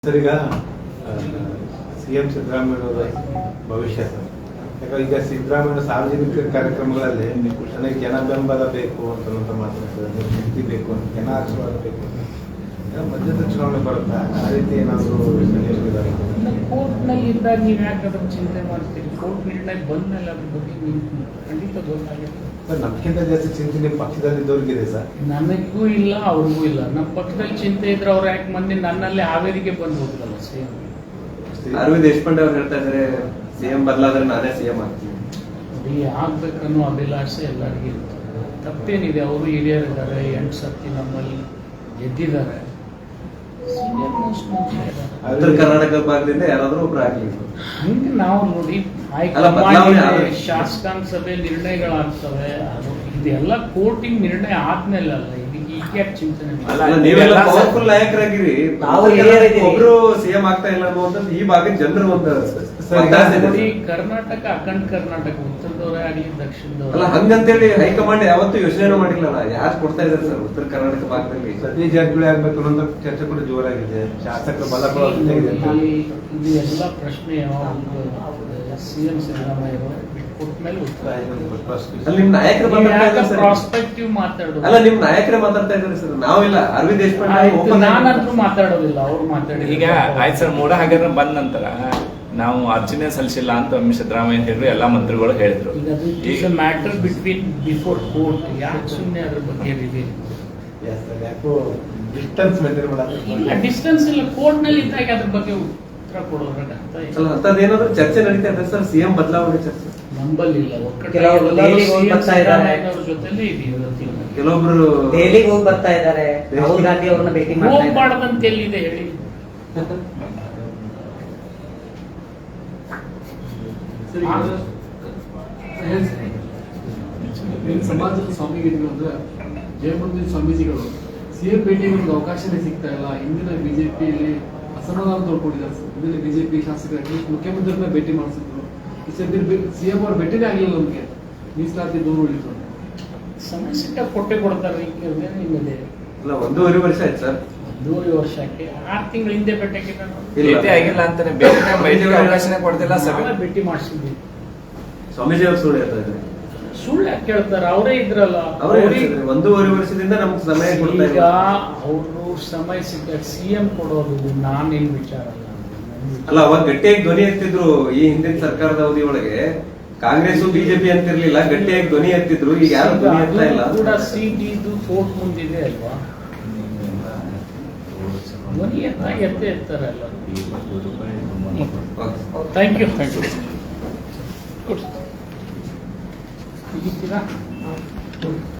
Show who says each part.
Speaker 1: Sir, ಈಗ CM Siddaramaiah ಭವಿಷ್ಯ sir, ಯಾಕಂದ್ರೆ ಈಗ ಸಿದ್ದರಾಮಯ್ಯ ಸಾರ್ವಜನಿಕ ಕಾರ್ಯಕ್ರಮಗಳಲ್ಲಿ ನನಗೆ ಜನ ಬೆಂಬಲ ಬೇಕು ಅಂತ ಮಾತಾಡ್ತಾರೆ, ಶಕ್ತಿ ಬೇಕು ಅಂತ, ಜನ ಆಶೀರ್ವಾದ ಬೇಕು ಅಂತ. ಮಧ್ಯದ ಚುನಾವಣೆ ಬರುತ್ತಾ ಆ ರೀತಿ ಏನಾದರೂ
Speaker 2: ಕೋರ್ಟ್ನಲ್ಲಿ ಇದ್ದಾಗ ನೀವು ಯಾಕೆ ಅದ್ರ ಚಿಂತೆ ಮಾಡ್ತೀರಿ? ಕೋರ್ಟ್ ನಿರ್ಣಯ ಬಂದ್ಮೇಲೆ ಅದ್ರ ಬಗ್ಗೆ ಖಂಡಿತ ಗೊತ್ತಾಗುತ್ತೆ
Speaker 1: ಸರ್. ನಮ್ಗಿಂತ ಜಾಸ್ತಿ ಚಿಂತೆ ನಿಮ್ಮ ಪಕ್ಷದಲ್ಲಿ ಇದ್ದವ್ರಿಗಿದೆ ಸರ್.
Speaker 2: ನನಗೂ ಇಲ್ಲ, ಅವ್ರಿಗೂ ಇಲ್ಲ. ನಮ್ಮ ಪಕ್ಷದಲ್ಲಿ ಚಿಂತೆ ಇದ್ರೆ ಅವ್ರು ಯಾಕೆ ಮಂದಿ ನನ್ನಲ್ಲಿ ಹಾವೇರಿಗೆ ಬಂದು ಹೋಗ್ತಲ್ಲ ಸಿಎಂ.
Speaker 3: ಅರವಿಂದ್ ದೇಶಪಾಂಡೆ ಅವ್ರು ಹೇಳ್ತಾ ಇದ್ದಾರೆ, ಸಿಎಂ ಬದಲಾದ್ರೆ ನಾನೇ ಸಿಎಂ ಆಗ್ತೀನಿ.
Speaker 2: ಆಗ್ಬೇಕನ್ನೋ ಅಭಿಲಾಷೆ ಎಲ್ಲರಿಗೂ ಇರುತ್ತೆ. ತಪ್ಪೇನಿದೆ? ಅವರು ಹಿರಿಯರಿದ್ದಾರೆ, 8 ಸರ್ತಿ ನಮ್ಮಲ್ಲಿ ಗೆದ್ದಿದ್ದಾರೆ.
Speaker 3: ಉತ್ತರ ಕರ್ನಾಟಕ ಭಾಗದಿಂದ ಯಾರಾದ್ರೂ ಒಬ್ರು ಆಗ್ಲಿ.
Speaker 2: ಹಂಗೆ ನಾವು ನೋಡಿ ಶಾಸಕಾಂಗ ಸಭೆ ನಿರ್ಣಯಗಳಾಗ್ತವೆ. ಇದೆಲ್ಲ ಕೋರ್ಟಿಂಗ್ ನಿರ್ಣಯ ಆದ್ಮೇಲೆ ಅಲ್ಲ, ಇದಕ್ಕೆ ಈಗ ಯಾಕೆ ಚಿಂತನೆ?
Speaker 3: ನೀವೆಲ್ಲ ಪವರ್ಫುಲ್ ನಾಯಕರಾಗಿರಿ, ಒಬ್ರು ಸಿಎಂ ಆಗ್ತಾ ಇಲ್ಲ ಅನ್ನುವಂಥದ್ದು ಈ ಭಾಗದ ಜನರು ಒಂದು
Speaker 2: ನೋಡಿ. ಕರ್ನಾಟಕ ಅಖಂಡ ಕರ್ನಾಟಕ, ಉತ್ತರದವರೇ ಆಗಲಿ ದಕ್ಷಿಣದವರೇ
Speaker 3: ಅಲ್ಲ, ಹಂಗಂತೇಳಿ ಹೈಕಮಾಂಡ್ ಯಾವತ್ತೂ ಯೋಚನೆ ಮಾಡಿಲ್ಲ. ಯಾರು ಕೊಡ್ತಾ ಇದ್ದಾರೆ ಸರ್ ಉತ್ತರ ಕರ್ನಾಟಕ ಭಾಗದಲ್ಲಿ?
Speaker 1: ಸತೀಶ್ ಜಾರಕಿಹೊಳಿ ಆಗ್ಬೇಕು ಅನ್ನೋ ಚರ್ಚೆ ಕೂಡ ಜೋರಾಗಿದೆ. ಶಾಸಕರ ಬಲ
Speaker 2: ಇದು ಎಲ್ಲ ಪ್ರಶ್ನೆ ಸಿಎಂ ಸಿದ್ದರಾಮಯ್ಯ ಬಿಟ್ಕೊಟ್ಟ ಮೇಲೆ ಉತ್ತರ.
Speaker 3: ಅಲ್ಲಿ ನಿಮ್ ನಾಯಕರು
Speaker 2: ಪ್ರಾಸ್ಪೆಕ್ಟಿವ್ ಮಾತಾಡೋದು.
Speaker 3: ಅಲ್ಲ, ನಿಮ್ ನಾಯಕರೇ ಮಾತಾಡ್ತಾ ಇದ್ದಾರೆ ಸರ್, ನಾವಿಲ್ಲ. ಅರವಿಂದ್ ದೇಶಪಾಂಡೆ
Speaker 2: ನಾನಂತೂ ಮಾತಾಡೋದಿಲ್ಲ, ಅವ್ರು ಮಾತಾಡಿ.
Speaker 4: ಈಗ ಆಯ್ತು ಸರ್, ಮೂಡ ಹಗರಣ ಬಂದ ನಂತರ ನಾವು ಅರ್ಜುನೇ ಸಲ್ಲಿಸಿಲ್ಲ ಅಂತ ಸಿದ್ದರಾಮಯ್ಯ ಹೇಳಿದ್ರು, ಎಲ್ಲಾ ಮಂತ್ರಿಗಳು ಹೇಳಿದ್ರು.
Speaker 2: ಈಗ ಮ್ಯಾಟರ್ ಬಿಟ್ವೀನ್ ಬಿಫೋರ್ ಕೋರ್ಟ್, ಯಾಕೆ ಸುಮ್ಮನೆ ಅದ್ರ ಬಗ್ಗೆ ರಿವೀಲ್?
Speaker 1: ಯಾಕೋ ಡಿಸ್ಟೆನ್ಸ್ ಮೇಂಟೈನ್ ಮಾಡೋದು
Speaker 2: ಇಲ್ಲ, ಡಿಸ್ಟೆನ್ಸ್ ಇಲ್ಲ. ಕೋರ್ಟ್ ನಲ್ಲಿ ಇದ್ದಾಗ ಅದ್ರ ಬಗ್ಗೆ ಉತ್ತರ ಕೊಡೋದ್ರಾಗ
Speaker 3: ಅಂತದೇನಾದ್ರೂ ಚರ್ಚೆ ನಡೀತಾ ಇದೆ ಸರ್, ಸಿಎಂ ಬದಲಾವಣೆ ಚರ್ಚೆ
Speaker 2: ನಂಬಲ್ಲಿಲ್ಲ. ಜೊತೆಲೇ
Speaker 3: ಕೆಲವೊಬ್ರು
Speaker 5: ದೆಹಲಿಗೆ ಹೋಗಿ ಬರ್ತಾ ಇದ್ದಾರೆ, ರಾಹುಲ್ ಗಾಂಧಿ ಅವ್ರನ್ನ ಭೇಟಿ
Speaker 2: ಹೋಗ್ಬಾರ್ದಂತ ಎಲ್ಲಿದೆ ಹೇಳಿ?
Speaker 6: ಸಮಾಜದ ಸ್ವಾಮಿಗಳು ಅಂದ್ರೆ ಜಯಮಂದಿರ ಸ್ವಾಮೀಜಿಗಳು ಸಿಎಂ ಭೇಟಿಗೆ ಒಂದು ಅವಕಾಶನೇ ಸಿಗ್ತಾ ಇಲ್ಲ. ಇಂದಿನ ಬಿಜೆಪಿಯಲ್ಲಿ ಅಸಮಾಧಾನ ತೋಡ್ಕೊಂಡಿದ್ದಾರೆ. ಇಂದಿನ ಬಿಜೆಪಿ ಶಾಸಕರಾಗಿ ಮುಖ್ಯಮಂತ್ರಿನ ಭೇಟಿ ಮಾಡಿಸಿದ್ರು. ಈ ಸದ್ಯ ಸಿಎಂ ಅವ್ರ ಭೇಟಿನೇ ಆಗಲಿಲ್ಲ. ನಮಗೆ ಮೀಸಲಾತಿ ದೂರ ಉಳಿತು.
Speaker 2: ಸಮಯ ಸಿಕ್ಕ ಕೊಟ್ಟೆ ಕೊಡ್ತಾರೆ. ನಿಮ್ಮದೇ
Speaker 3: ಇಲ್ಲ, 1.5 ವರ್ಷ ಆಯ್ತು ಸರ್.
Speaker 2: 1.5 ವರ್ಷಕ್ಕೆ 6 ತಿಂಗಳ ಹಿಂದೆ ಭೇಟಿ
Speaker 4: ಆಗಿಲ್ಲ ಅಂತಾನೆ ಅವಕಾಶನೇ ಕೊಡ್ತಿಲ್ಲ. ಸಭೆ
Speaker 2: ಭೇಟಿ ಮಾಡಿಸಿದ್ವಿ.
Speaker 3: ಸ್ವಾಮೀಜಿ ಅವರು ಸುಳ್ಳು ಹೇಳ್ತಾ ಇದ್ದಾರೆ.
Speaker 2: ಸುಳ್ಳು ಯಾಕೆ ಕೇಳ್ತಾರೆ? ಅವರೇ ಇದ್ರಲ್ಲ.
Speaker 3: 1.5 ವರ್ಷದಿಂದ ನಮ್ಗೆ ಸಮಯ ಕೊಡ್ತಾ
Speaker 2: ಈಗ ಅವರು ಸಮಯ ಸಿಕ್ಕ ಸಿಎಂ ಕೊಡೋದು ನಾನೇನ್ ವಿಚಾರ
Speaker 3: ಅಲ್ಲ. ಅವಾಗ ಗಟ್ಟಿಯಾಗಿ ಧ್ವನಿ ಎತ್ತಿದ್ರು. ಈ ಹಿಂದಿನ ಸರ್ಕಾರದ ಅವಧಿ ಒಳಗೆ ಕಾಂಗ್ರೆಸ್ ಬಿಜೆಪಿ ಅಂತಿರ್ಲಿಲ್ಲ, ಗಟ್ಟಿಯಾಗಿ ಧ್ವನಿ ಎತ್ತಿದ್ರು. ಈಗ ಯಾರು ಧ್ವನಿ ಎತ್ತಾ ಇಲ್ಲ.
Speaker 2: ಕೂಡ ಸಿಟಿದು ಕೋರ್ಟ್ ಮುಂದಿದೆ ಅಲ್ವಾ? ಧ್ವನಿ ಎತ್ತೇ ಇರ್ತಾರೆ ಅಲ್ಲ. Thank you.